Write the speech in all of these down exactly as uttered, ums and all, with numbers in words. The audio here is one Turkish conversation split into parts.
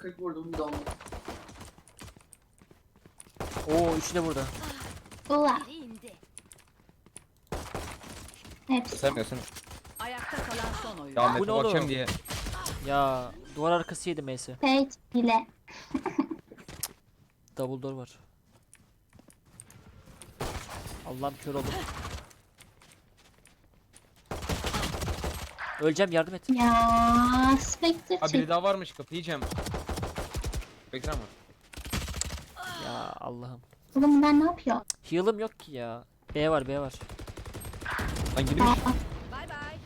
kırk vurdum bir de onu. Oo üçü de burada. Ula. Biri indi. Hepsi. Sen sen. Ayakta kalan son oyun. Ya Bu Mete ne oğlum? bakacağım diye. Ya duvar arkası yedi Mace'i. Sage bile. Double door var. Allah'ım kör oldum. Öleceğim, yardım et. Ya Spectre Ha biri çek. daha varmış, kapıyı yiyeceğim. Bekran var. Ya Allah'ım. Oğlum bunlar ne yapıyor? Heal'ım yok ki ya. B var, B var. Lan girmiş. Aa, Bay bay.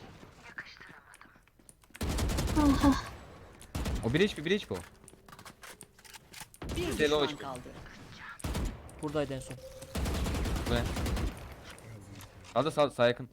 aha. O bir H P, bir H P o. Bir Deli düşman hoş. kaldı. Buradaydı en son. Bu ne? Sağda sağ, sağ yakın.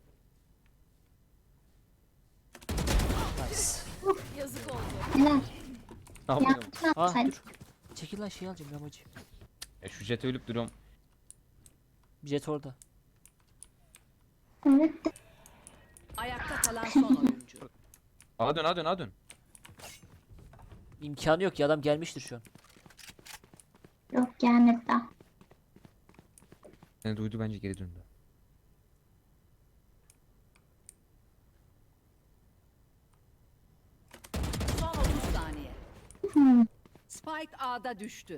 Nice. Yazık oldu. Neler? Ne yapıyorum? Ya ne Ah yapsaydın? dur. Çekil lan, şey alacağım yamacı. Ya şu jete ölüp duruyorum. Jet orada. Evet de. Ayakta kalan son oyuncu. Ağa dön, ağa dön, ağa dön. İmkanı yok ya, adam gelmiştir şu an. Yok gelmedi daha. Seni duydu, bence geri döndü. Son otuz saniye. Hmm. Spike A'da düştü.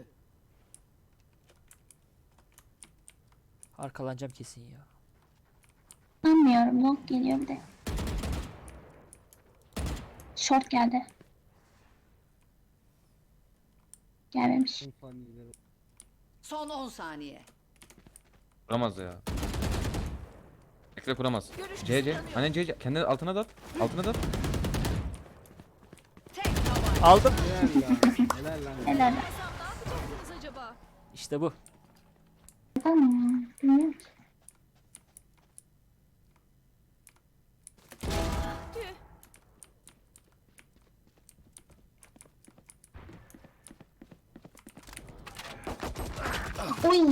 Arkalanacağım kesin ya. Anlamıyorum. Long geliyor bir de. Short geldi. Gelmemiş. Son on saniye. Kuramaz ya. Bekle, kuramaz. Görüş C C. kısıtlanıyor. Hani C C. Kendini altına da at. Altına da at. Tek tabanca. Aldım. Helal lan. Helal. Ne yapacaksınız acaba? İşte bu. Yapalım mı? Bilmiyorum ki. Tüh. Oy.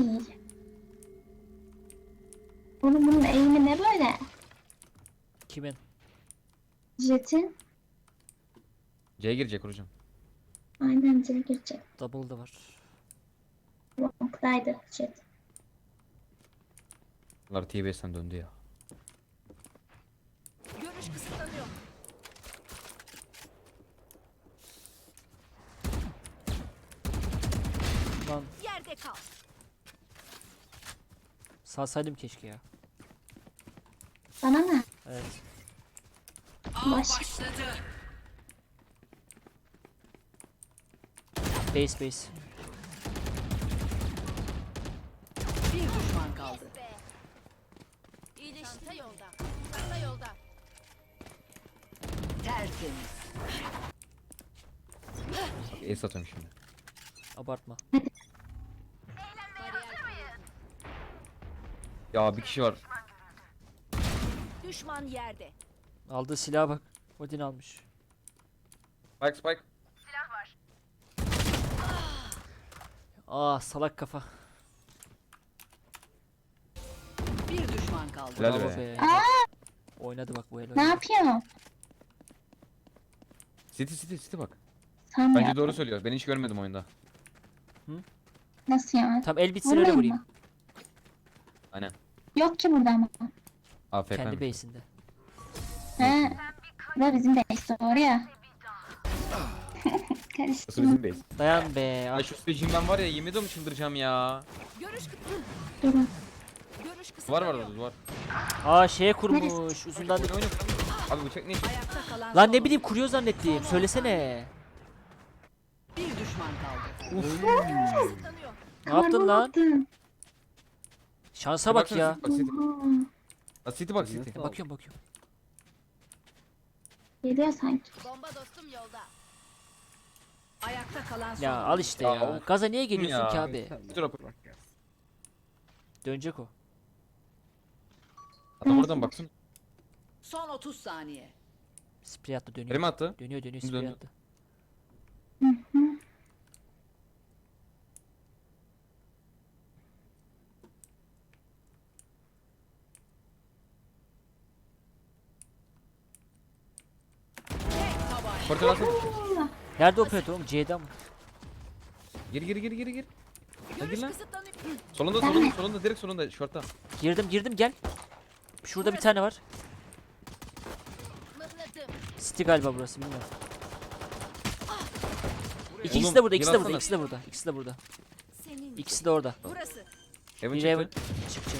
Oğlum bunun eğimi ne böyle? Kimin? Jet'in. C'ye girecek hocam. Aynen Jet'e girecek. Double da var. Long'daydı Jet. Bunlar T B'den döndü ya. Görüş kısıtlanıyor. Lan Yerde kal. salsaydım keşke ya. Bana ne? Evet. Baş. Başladı. Base base. Bir düşman kaldı. İyileşti yolda. Çanta yolda. Tertemiz. Ace atıyorum şimdi. Abartma. Ya bir kişi var. Düşman yerde. Aldığı silaha bak. Odin almış. Spike spike. Ah salak kafa. Bir düşman kaldı. Helal Bravo be. be. Aa! Oynadı bak bu el. Ne oynadı. yapıyor? City city city bak. Sanmıyorum. Bence doğru söylüyor. Ben hiç görmedim oyunda. Nasıl yani? Tam el bitsin öyle Vurmayın vurayım. mı? Aynen. Yok ki burada ama. A F K Kendi mi? base'inde. He. Bu da bizim base doğru ya. Nasıl Karıştırma. bizim base? Dayan be. Ah. Ay şu stejimden var ya, yemin ediyorum çıldıracağım ya. Görüş kı- Durun. Görüş Var kısıtlanıyor. var orada, var. Aa şeye kurmuş. Uzundan. Oyna oyna. Abi bıçak ne işi? Ayakta kalan Lan son ne bileyim oyuncu. kuruyor zannettim. Söylesene. Bir düşman kaldı. Kısıtlanıyor. Ne yaptın lan? Karbon Şansa bak Baksana, ya. Bak City. attın. Bak City bak City. Nasıl? Bakıyorum bakıyorum. Geliyor sanki. Bomba dostum yolda. Ayakta kalan son Ya al işte Ya, ya. of. Gaza niye geliyorsun Ya. ki abi? Dur rapor. Dönecek o. Adam oradan baksın. Son otuz saniye. Sprey attı dönüyor. Nereye mi attı? Dönüyor dönüyor Şimdi sprey döndü. attı. Portal alsana. Nerede operatör oğlum? C'de mi? Gir gir gir gir gir. Hadi Görüş lan. kısıtlanıyor. Solunda solunda solunda direkt solunda şortta. Girdim girdim gel. Şurada bir tane var. Mıhladım. City galiba burası bilmiyorum. İkisi Oğlum, de burada, ikisi de bir burada, atsana. ikisi de burada, ikisi de burada. Senin. İkisi de orada. Burası. Heaven Bir Raven çıktı. çıkacak.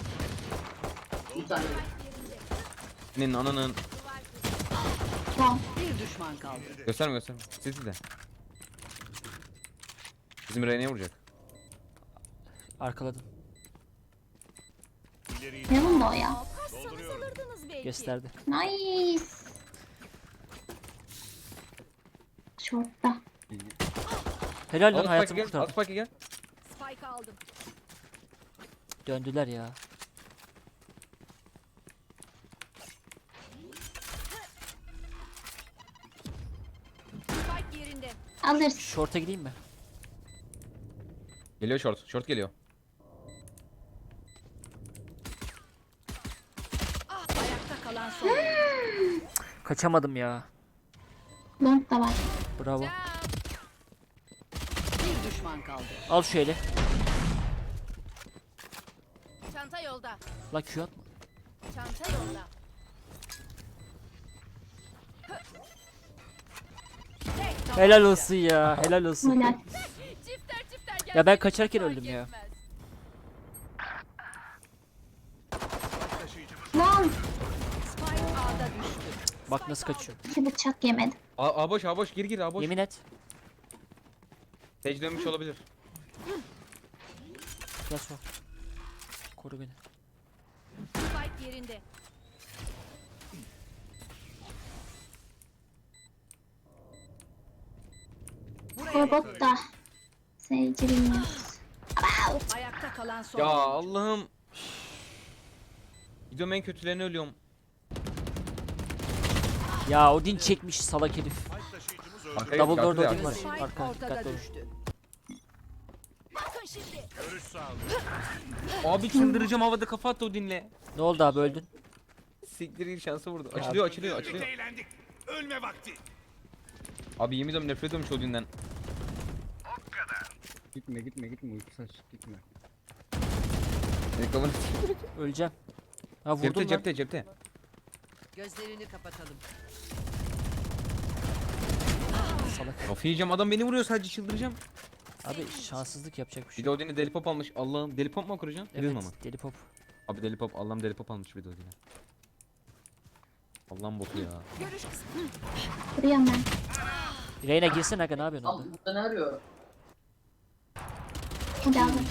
Senin ananın. Tamam. Bir düşman kaldı. Gösterme gösterme. Sizi de. Bizim Rene'ye vuracak. Arkaladım. Ne bunda o ya? Kaçsanız alırdınız belki. Gösterdi. Nice. Short'ta. Helal lan Al Spike'ı hayatımı gel. Al kurtardı. Spike'ı gel. Spike aldım. Döndüler ya. Spike yerinde. Alırız. Short'a gideyim mi? Geliyor short. Short geliyor. Ayakta kalan son oyuncu. Kaçamadım ya. Long da var. Bravo. Bir düşman kaldı. Al şu eli. Çanta yolda. La Q atma. Çanta yolda. Tek Helal olsun ya. Helal olsun. Helal. Çifter çifter gel. Ya ben kaçarken öldüm ya. Lan. Spike A'da düştü. Bak nasıl kaçıyor. İki bıçak yemedim. A, A boş A boş gir gir A boş. Yemin et. Sage dönmüş olabilir. Gel sol. Koru beni. Spike yerinde. Robot da. Seyirci bilmiyoruz. Ayakta kalan son Ya oyuncu. Allah'ım. Gidiyorum en kötülerine ölüyorum. Ya Odin çekmiş salak herif. Arkaya Double door arkaya- Odin var. Spike Arka ortada dikkatli olun. düştü. Bakın şimdi. Abi çıldıracağım havada kafa attı o dinle. Ne oldu abi öldün? Siktir gir şansı vurdu. Açılıyor açılıyor açılıyor. Eğlendik. Ölme vakti. Abi yemin ediyorum nefret ediyorum şu Odin'den. Gitme gitme gitme uyku saç gitme. Senin kafanı Öleceğim. Ha vurdum Cepte lan. cepte cepte. Gözlerini kapatalım. Salak. Kafayı yiyeceğim adam beni vuruyor sadece çıldıracağım. Abi şanssızlık yapacak bir Bir şey. de Odin'i deli pop almış. Allah'ım deli pop mu okuracaksın? Evet Bilmem ama. deli pop. Abi deli pop Allah'ım deli pop almış bir de Odin'e. Allah'ım botu ya. Görüş kısıtlanıyor. Vuruyorum ben. Reyna girsin aga ne yapıyorsun orada? Burada ne arıyor? Hadi aldım.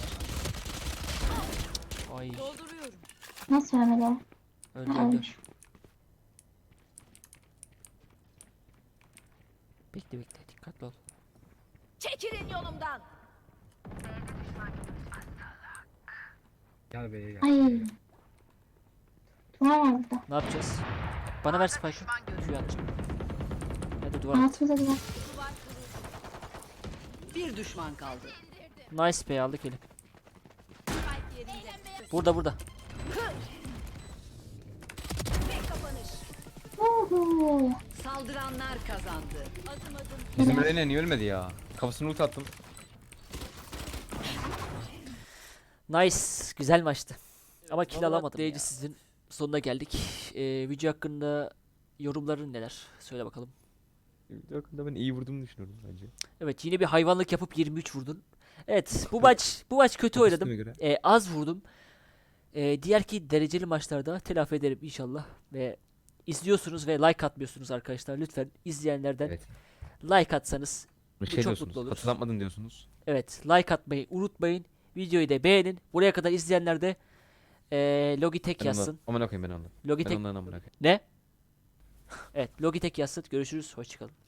Ay Dolduruyorum. Nasıl ölmedi o? öldü Ha, öldü. ölmüş. Bekle bekle dikkatli ol. Çekilin yolumdan. Gel beye gel. Ay. Duvar var burada. Ne yapacağız? Bana ver spike'ı. Q atacağım. Hadi duvar at. Altımıza duvar. Duvar kuruldu. Bir düşman kaldı. Nice be aldık eli. Spike yerinde. Burada burada. Tek kapanış. Uhu. Saldıranlar kazandı. Adım adım. Bizim Rene niye ölmedi ya? Kafasını ult attım. Nice. Güzel maçtı. Ama kill alamadım ya. Sizin sonuna geldik. Ee, video hakkında yorumların neler? Söyle bakalım. Video hakkında ben iyi vurduğumu düşünüyorum bence. Evet yine bir hayvanlık yapıp yirmi üç vurdun. Evet bu maç bu maç kötü oynadım. Üstüme göre. Ee, az vurdum. Ee, diğer ki dereceli maçlarda telafi ederim inşallah. Ve izliyorsunuz ve like atmıyorsunuz arkadaşlar. Lütfen izleyenlerden Evet. like atsanız. Bir Bu şey çok diyorsunuz. mutlu olur. Hatırlatmadın diyorsunuz. Evet like atmayı unutmayın. Videoyu da beğenin. Buraya kadar izleyenler de ee, Logitech Ben yazsın. ondan, aman okuyayım ben ondan. Ben Logitech ondan amına koyayım. ne? Evet Logitech yazsın. Görüşürüz. Hoşçakalın.